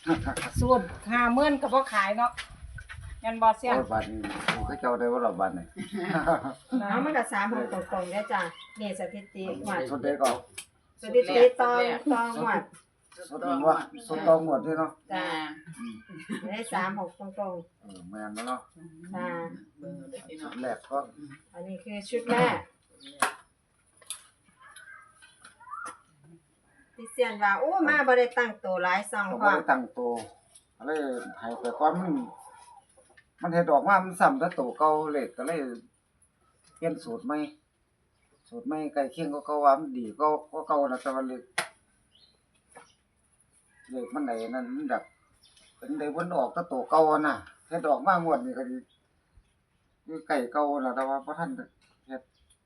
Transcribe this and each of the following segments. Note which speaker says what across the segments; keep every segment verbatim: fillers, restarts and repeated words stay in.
Speaker 1: สูตรห้าหมื่นก็บ่ขายเนาะงั้นบ่เสีย
Speaker 2: โอ้ยบาดนี้ผมก็เจ้าได้ว่าเราบาดนี่
Speaker 3: เอามันก็สามหกตรงๆเด้อจ้ะนี่สถิติหวด
Speaker 2: สุดเด็กก็
Speaker 3: สถิติตองตองหวด
Speaker 2: สุดนี้ว่าสุดตองหมดด้วยเนาะ
Speaker 3: จ้ะได้สามหกตรง
Speaker 2: เออแม่นแล้วเนาะ
Speaker 3: ๆจ้ะ
Speaker 2: สุดแรกก็
Speaker 3: อันนี้คือชุดแรกที่เซียนว่าโอ้มาบ่ได้ตั้งตัวหลายซอง
Speaker 2: ก็
Speaker 3: พ
Speaker 2: บ่
Speaker 3: ร้อม
Speaker 2: ได้ตั้งตัวเลยให้ไปก่อนมันมันเฮ็ดออกมามันซ้ำแต่ตัวเก่าเลขก็เลยเปลี่ยนสูตรใหม่สูตรใหม่ใกล้เคียงก็เก่าว่ามันดีก็ก็เก่านะแต่ว่าเลขเลขมันได้นั่นมันแบบเป็นได้วนออกแต่ตัวเก่าน่ะเฮ็ดออกมางวดนี้ก็ดีอยู่ใกล้เก่าน่ะแต่ว่าบ่ทันเฮ็ด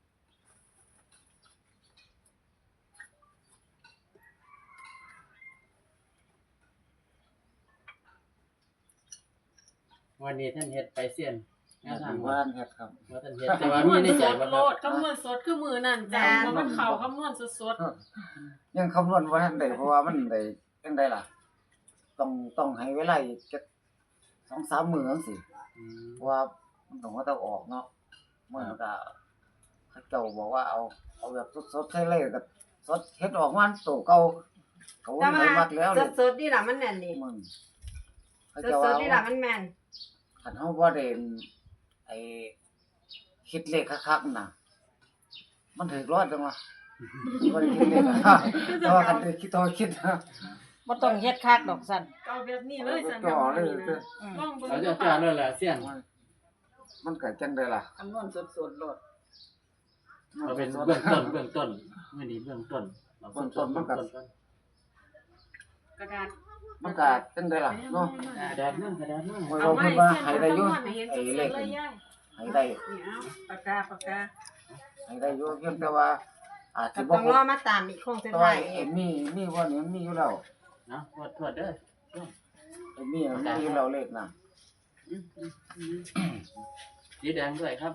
Speaker 4: วันนี้ท่านเฮ็ดไปเสียนแนวทาง
Speaker 2: บ้านเฮ็ดครับ
Speaker 4: ว่าท่านเฮ็ดแต่ว่ามีในใจบ่
Speaker 5: โล
Speaker 4: ครับ
Speaker 5: ดคำนวณสดคือมือนั่นจ้ะเพราะมันเข่าคำนวณสด
Speaker 2: ยังคำนวณบ่ทันได้เพราะว่ามันได้จังไดล่ะ ต้องต้องให้เวลาอีกจัก สองสาม มื้อจังซี่
Speaker 4: อืม
Speaker 2: เพราะว่ามันต้องว่าต้องออกเนาะมื้อนั้นก็เขาเจ้าบอกว่าเอาเอาแบบสดๆใส่เลยก็สดเฮ็ดออกมาตัวเก่าเขา
Speaker 3: แต่
Speaker 2: ให้
Speaker 3: ว่า
Speaker 2: มักแล้วเลย
Speaker 3: สดๆนี่ล่ะมันแน่นนี่
Speaker 2: มึงเขา
Speaker 3: ส
Speaker 2: เจ้า
Speaker 3: ด
Speaker 2: ว่า
Speaker 3: ๆนี่ล่ะมันแม่น
Speaker 2: คันเฮาบ่ได้ไอ้คิดเลขคักๆน่ะมันถึกรอดจังวะบ่ได้คิดเลขคักๆแต่ว่าคันได้คิดต่อคิดนะ
Speaker 1: บ่ต้องเฮ็ดคักดอกสั่น
Speaker 5: ๆเก่าแบบนี้เลยสัน
Speaker 2: จ่อเลย
Speaker 5: นะ
Speaker 2: เด้อ
Speaker 1: อืม
Speaker 5: ลองเบิ่ง
Speaker 4: เราจะจ่าเลยล่ะเสียน
Speaker 2: มันเกิดจังไดล่ะ
Speaker 5: คำนวณสดๆโลด
Speaker 4: เราเป็นเบื้องต้นเบื้องต้นมื้อนี้เบื้องต้นเราเบื้องต้นเบื้องต้นก่อน
Speaker 5: กระดาษ
Speaker 2: มันก็จังไดล่ะเนาะ
Speaker 4: กระดาษนั่งกระดาษนั่ง
Speaker 2: โอ้ย
Speaker 5: เอา
Speaker 2: เรา
Speaker 5: ไม้
Speaker 2: เพิ่นว่า
Speaker 5: เส้น
Speaker 2: ให้ได้อยู่
Speaker 5: คำนวณให้เห็น
Speaker 2: ไอ้
Speaker 5: ส
Speaker 2: เล
Speaker 5: ด
Speaker 2: ข
Speaker 5: ๆเลยยาย
Speaker 2: ให้ได้
Speaker 5: นี่เอาปากกาปากกา
Speaker 2: ให้ได้อยู่เพียงแต่ว่าอาจ
Speaker 3: ก็
Speaker 2: สิบ่
Speaker 3: ต้อง
Speaker 2: คร
Speaker 3: รอบ มาตามอีกโค้งสุด
Speaker 2: แต่ว่า
Speaker 3: ท้าย
Speaker 2: ไอ้มีมีบ่นี่มันมีอยู่แล้ว
Speaker 4: เนาะทวดทวดเด้อ
Speaker 2: ไอ้มีมันมีอยู่แล้วเลขน่ะ
Speaker 4: อืมอืมอืมสีแดงด้วยครับ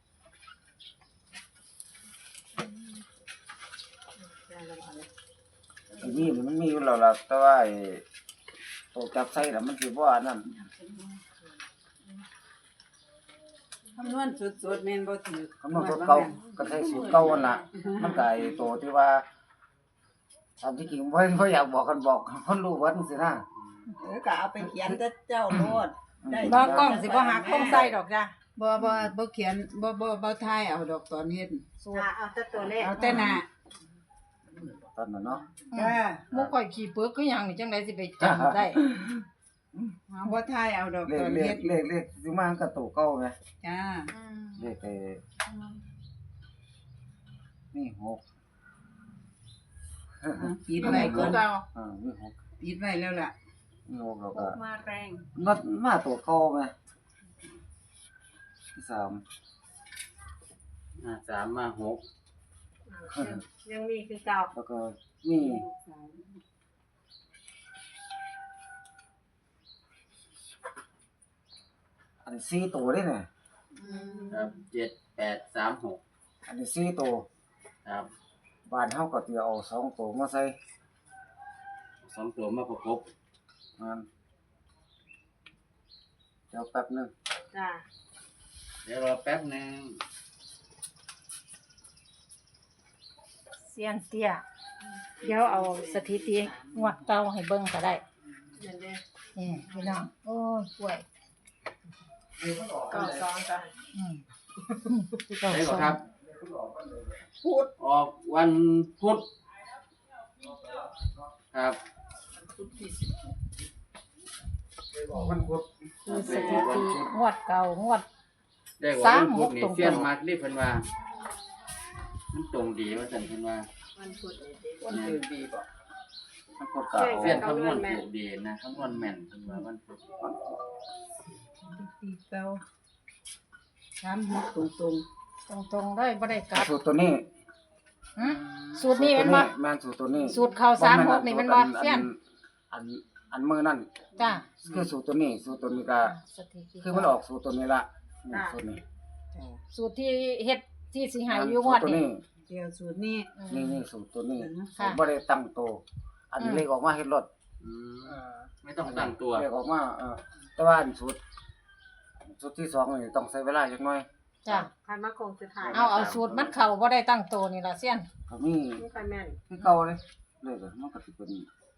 Speaker 2: ไอ้มีนี่มันมีอยู่แล้วล่ะแต่ว่าไอ้ตัวจับใส่น่ะมันสิบ่อันนั้น
Speaker 5: คำนวณสดๆแม่นบ่ถือ
Speaker 2: คำนวณตัวเก่าก็ใช้สูตรเก่านั่นล่ะมันก็ไอ้ตัวที่ว่าตามที่จริงบ่บ่อยากบอกกันบอกคนรู้ว่าจังซี่นะ
Speaker 5: เออก็เอาไปเขียนแต่เจ้าโลด ได้
Speaker 1: บ่กล้องสิบ่หักต้องใส่ดอกจ้ะ
Speaker 6: บ่บ่บ่เขียนบ่บ่บ่ทายเอาดอกตอนเฮ็ด
Speaker 1: สูตร
Speaker 3: อ่ะเอาแต่ตัวเลข
Speaker 6: เอาแต่หน้า
Speaker 2: ตอนนั้นเนาะ
Speaker 6: จ้า
Speaker 1: หมู่ข่อยขี้ปึกคือหยังนี่จังได๋สิไปจำได้
Speaker 6: เอาบ่ทายเอาดอก
Speaker 2: เล
Speaker 6: ต
Speaker 2: ข
Speaker 6: อน
Speaker 2: เล
Speaker 6: เฮ็
Speaker 2: ข
Speaker 6: ด
Speaker 2: เลขเลขสิมากับตัวเก่าไหม
Speaker 6: จ้า
Speaker 2: เลขไอ้นี่หก
Speaker 6: เอาปิดไว้ก่อน
Speaker 1: เก่า
Speaker 2: อ่านี่หก
Speaker 6: ปิดไว้แล้วล่ะ
Speaker 2: นี่หกแล้วก็
Speaker 5: มาแรง
Speaker 2: นัดมาตัวเก่าไหมที่สาม
Speaker 4: อ่าสามมาหก
Speaker 3: ยังมีคือเก่า
Speaker 2: แล้วก็มีอันนี้สี่ตัวได้เนี่ย
Speaker 4: ครับเจ็ดแปดสามหก
Speaker 2: อันนี้สี่ตัว
Speaker 4: ครับ
Speaker 2: บ้านเฮาก็สิเอาสองตัวมาใส่
Speaker 4: สองตัวมาประกบ
Speaker 2: มันเดี๋ยวแป๊บหนึง
Speaker 3: จ้า
Speaker 4: เดี๋ยวรอแป๊บหนึง
Speaker 1: เซียนเตี้ยเดี๋ยวเอาสถิติงวดเก่าให้เบิ่งก็ได้
Speaker 5: เดี๋ยวเด้อ
Speaker 1: นี่พี่น้องโอ้ยป่วย
Speaker 5: เก้าสองจ้ะ
Speaker 1: อืมเก้า
Speaker 4: ใช่
Speaker 1: ส
Speaker 4: บ่
Speaker 1: อง
Speaker 4: ครับพุธออกวันพุธครับ
Speaker 2: มันกด
Speaker 1: คือสถิติงวดเก่างวด
Speaker 4: ได้ว่า
Speaker 1: สาม
Speaker 4: วันพุธนี่
Speaker 1: หกตรงๆ
Speaker 4: เสี้ยนมากรีบเพิ่นว่า มันตรงดีว่าซั่นเพิ่นว่า
Speaker 5: วันพุธนี่เด้
Speaker 4: วันพุธดีบ่
Speaker 2: มันกดกะเอา
Speaker 4: เสี้ยนคำนวณถูกดีนะคำนวณแม่นเพิ่นว่าวันพุธ
Speaker 6: ปีเก่าสามหกตรง
Speaker 1: ตรงๆเลยบ่ได้กลับ
Speaker 2: สูตรตัวนี้
Speaker 1: หึสูตรนี้แม่นบ่
Speaker 2: แม่นสูตรตัวนี้
Speaker 1: สูตรเข้าสามหกนี่แม่นบ่เซียน
Speaker 2: อันอันมือนั่น
Speaker 1: จ้า
Speaker 2: คือสูตรตัวนี้ สูตรตัวนี้ก็
Speaker 1: สถิติ
Speaker 2: คือมันออกสูตรตัวนี้ละนี่สูตรนี้
Speaker 6: ๆจ้า
Speaker 1: สูตรที่เฮ็ดที่สิให้อยู่งวด
Speaker 2: สูตรตัว
Speaker 1: นี้
Speaker 2: นี้
Speaker 6: เกี่ยวสูตรนี้
Speaker 1: อืม
Speaker 2: นี่นี่สูตรตัวนี้
Speaker 1: ค่ะ
Speaker 2: บ่ได้ตั้งโตวอันนี้
Speaker 1: อืม
Speaker 2: เลขออกมาเฮ็ดรถ
Speaker 4: อืมไม่ต้องตั้งตัว
Speaker 2: เลขออกมาเออแต่ว่าอันสุดสุดที่สองนี่ต้องใช้เวลาจักหน่อย
Speaker 1: จ้ะ
Speaker 3: คันมาคงสุดท้าย
Speaker 1: เอาเอาสูตรมันเข้าบ่ได้ตั้งโตวนี่ล่ะเสี้ยน
Speaker 2: ก็มี
Speaker 3: ไม่ค่อยแม่น
Speaker 2: คือเก่าเลยเลขอะมันก็สิเป็น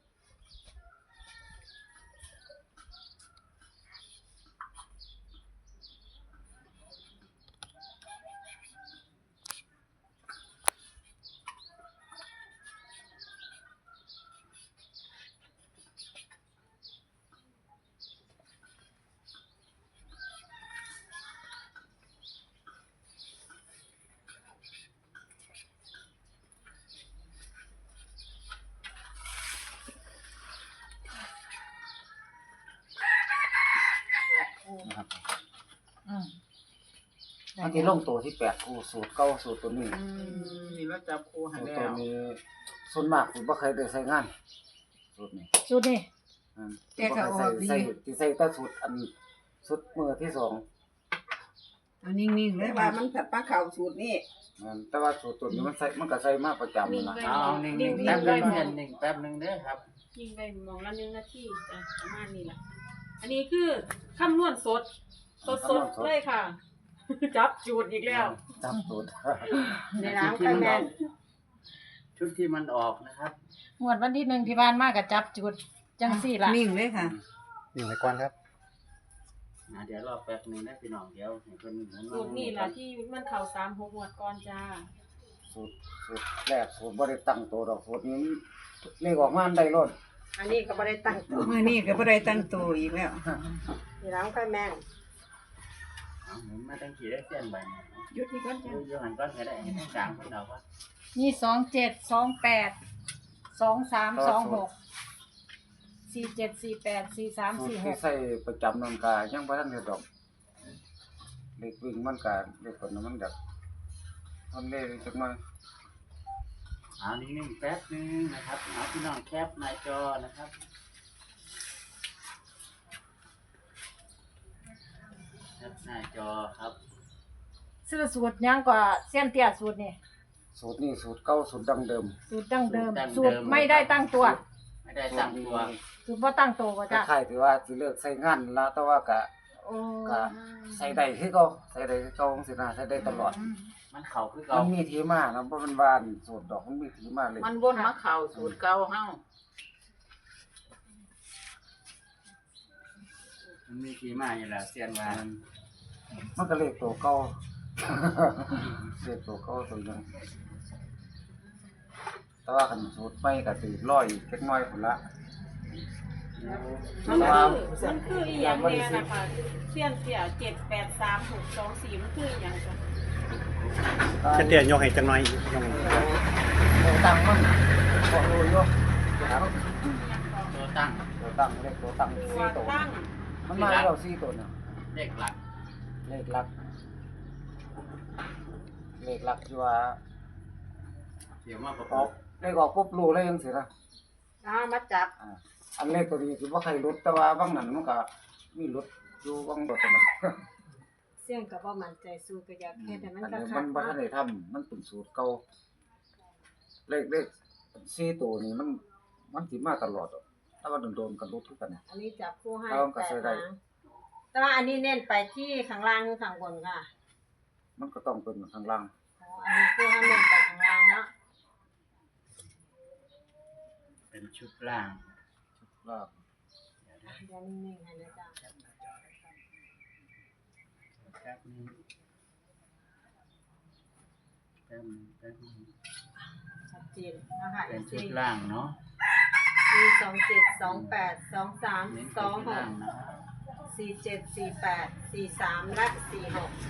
Speaker 2: นะครับ
Speaker 1: อืม
Speaker 2: มันสิลงตัวที่แปดคู่สูตรเก่าสูตรตัวนี้
Speaker 6: นี่เราจับคู่ให้
Speaker 2: สูตร
Speaker 6: แล้
Speaker 2: ตัว
Speaker 6: ว
Speaker 2: นี้ส่วนมากสิบ่เคยได้ใช้งานสูตรนี้
Speaker 1: สูตรนี่
Speaker 2: อืมบ่เคยใส่ใส่สิใส่แต่สูตรอันสุดมือที่สอง
Speaker 6: เอานิ่งๆเล
Speaker 3: แต่
Speaker 6: ย
Speaker 3: ว่า
Speaker 6: ว่า
Speaker 3: มันผัดปลาเข่าสูตรนี่
Speaker 2: อืมแต่ว่าสูตรตัวนี้มันใส่มันก็ใส่มาประจำนั่นล่ะ
Speaker 4: เอานิ่งๆแป๊บนึงเพื่อนนิ่งแป๊บนึงเด้อครับ
Speaker 5: ยิงไปมองละหนึ่งนาทีจ้ะประมาณนี้แหละอันนี้คือคำนวณสด สดสดๆเลยค่ะ จับจูดอีกแล้ว
Speaker 2: จับสูตร
Speaker 3: ในร้านค่อยแม่น
Speaker 4: ชุดที่มันออกนะครับ
Speaker 1: งวดวันที่หนึ่งที่ผ่านมาก็จับจุดจังซี่ล่ะ
Speaker 6: นิ่งเลยค่ะ
Speaker 7: นี่ไว้ก่อนครับ
Speaker 4: อ่าเดี๋ยวรอแป๊บนึงนะพี่น้องเดี๋ยวให้เพิ่นหมุนมา
Speaker 5: สูตรนี่แหละที่มันเข่าสามหกหมวดก่อนจ้า
Speaker 2: สูตรสูตรแรกสูตรบ่ได้ตั้งตัวดอกสูตรนี้เลขออกมาอันใดโลด
Speaker 3: อันนี้ก็บ่ได้ตั้งตัว
Speaker 6: มื้อนี้ก็บ่ได้ตั้งตัวอีกแล้ว
Speaker 3: ในร้านค่อยแม่น
Speaker 4: เอาหมุนมาตั้งกี่ได้เส้นใบเนี่ย
Speaker 5: หยุดนี่ก่อนจ้า
Speaker 4: เดี๋ยวหันก้อนก็ได้ให้ทางกลางเพิ่นเอาว่า
Speaker 1: นี่สองเจ็ดสองแปดสองสามสองหกสี่เจ็ดสี่แปดสี่สาม
Speaker 2: สูต
Speaker 1: สี่
Speaker 2: ร
Speaker 1: ห
Speaker 2: ที่
Speaker 1: ก
Speaker 2: ใส่ประจำนั่นก็ยังบ่ทันได้ดอกเลขวิ่งมันก็เลขคนนั้นมันแบบมันเลขจักหน่อย
Speaker 4: เอานิ่งๆแป๊บนึงนะครับเอาพี่น้องแคปหน้าจอนะครับแคปหน้าจอครับ
Speaker 1: ซื้อสูตรยังกว่าเส้นเตี้ยสูตรนี่
Speaker 2: สูตรนี้สูตรเก่าสูตรดั้งเดิม
Speaker 1: สูตรดั้งเดิม สูตรไม่ได้ตั้งตัว
Speaker 4: ไม่ได้ตั้งตัว
Speaker 1: สูตรบ่ตั้งตัวก็
Speaker 2: ค
Speaker 1: จ้ะ
Speaker 2: ล้ายๆที่ว่าสิเลิกใช้งานละแต่ว่าก็
Speaker 1: โอ้
Speaker 2: ก็ใส่ได้คือเก่าใส่ได้คือเก่าจังซี่นะใส่ได้ตลอด
Speaker 4: มันเข่าคือ
Speaker 2: มั
Speaker 4: เก่าน
Speaker 2: มีที่มานะบ่แม่นว่าสูตรดอกมันมีที่มาเลย
Speaker 6: มันวนมาเข้าสูตรเก่าเฮา
Speaker 4: มันมีที่มาอยู่แล้วเสียนว่า
Speaker 2: มันก็เลขตัวเก่า เลขตัวเก่าตัวนึงแต่ว่าคันสูตรใหม่ก็สิร้อยอีกจักหน่อยพุ่นละ
Speaker 5: มันคือมันคืออีหยังแน่นะคะเสี้ยนเสียเจ็ดแปดสามหกสองสี่มันคืออีหยังจ้ะ
Speaker 7: จะเตี้ยยกให้จังหน่อยยก
Speaker 2: ตัวตั้งมันบ่รู้อยู่ครับ
Speaker 4: ตัวตั้ง
Speaker 2: ตัวตั้งเลขตัวตั้ง
Speaker 5: ตัว
Speaker 2: สี่ตัว
Speaker 5: ตั้ง
Speaker 2: มันมาแล้วสี่ตัวน่ะ
Speaker 4: เลขหลัก
Speaker 2: เลขหลัก เลขหลักที่ว่า
Speaker 4: เสียมาประก
Speaker 2: อ
Speaker 4: อ
Speaker 2: อบ กเลขออกปุ๊บรู้เลยจังซี่นะ
Speaker 3: เอามาจับ
Speaker 2: อ่าอันเลขตัวนี้สิบ่ใครลดแต่ว่าบางนั้นมันก็มีลดอยู่บางตัวนั่นน่ะ
Speaker 3: เสี่ยงก็บ่มั่นใจสู้ก็อยากเฮ็ดให้มัน
Speaker 2: อันนี้
Speaker 3: คั
Speaker 2: มั
Speaker 3: ก
Speaker 2: น
Speaker 3: ๆ
Speaker 2: บ่ทัน
Speaker 3: เนาะ
Speaker 2: ได้ทำมันเป็นสูตรเก่าเลขเลขสี่ตัวนี้มัน มันสิมาตลอดอะถ้าว่าโดนๆก็ลดคือกัน
Speaker 3: อันนี้จับคู่ให้
Speaker 2: เอาก็
Speaker 3: แป
Speaker 2: ใส่
Speaker 3: ด
Speaker 2: ได้
Speaker 3: หางแต่ว่าอันนี้เน้นไปที่ข้างล่างหรือข้างบนค่ะ
Speaker 2: มันก็ต้องเป็นข้างล่าง
Speaker 3: อ๋ออันนี้คือให้เน้นไปข้างล่างเนาะ
Speaker 4: เป็นชุดล่าง
Speaker 2: ล่าง
Speaker 3: เดี๋ยวนิ่งๆให้นะจ๊ะ
Speaker 4: แป๊บนึงแป๊บนึงแป๊บนึง
Speaker 3: ชัดเจนนะคะ
Speaker 4: เป็นชุ
Speaker 3: สี่
Speaker 4: ดล่างเนาะ
Speaker 3: มีสองเจ็ดสองแปดสองสาม
Speaker 4: เน้น
Speaker 3: ส
Speaker 4: เป็น
Speaker 3: อง
Speaker 4: ชุด
Speaker 3: ห
Speaker 4: ล่าก งนะครับ
Speaker 3: สี่เจ็ดสี่แปดสี่สามและสี่หก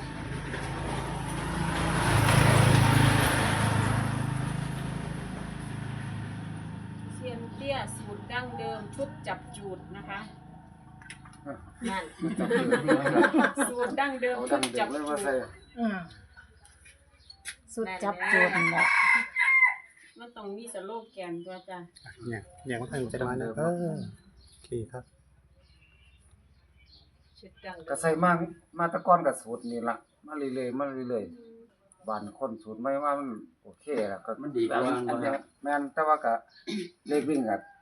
Speaker 5: เซียนเตี้ยสูตรดั้งเดิมชุดจับจูดนะคะ
Speaker 3: นั่น
Speaker 5: สูตรดั้งเดิม
Speaker 2: เอา
Speaker 5: ชุ
Speaker 2: ดั
Speaker 5: ด
Speaker 2: งเด็
Speaker 5: จั
Speaker 2: ก
Speaker 5: บ
Speaker 2: เลย
Speaker 5: จู
Speaker 2: ว่า
Speaker 5: ด
Speaker 2: ใส่
Speaker 1: อืมสุดจับจูดนั่นแหละ
Speaker 5: มันต้องมีสโลแกนตัวจ้ะ
Speaker 7: เนี่ยเนี่ยมันทางจะมานะเออโอเคครับ
Speaker 3: ชุดดัง
Speaker 2: ก็ใส่มามาแตะก่อนก็สูตรนี่ล่ะมาเรื่อยๆมาเรื่อยๆบานคนสูตรใหม่ว่ามันโอเคแล้วก็
Speaker 4: มันดีกว่า
Speaker 2: อัน
Speaker 4: บ่
Speaker 2: นี้
Speaker 4: ครับ
Speaker 2: แม่นแต่ว่าก็เลขวิ่งก็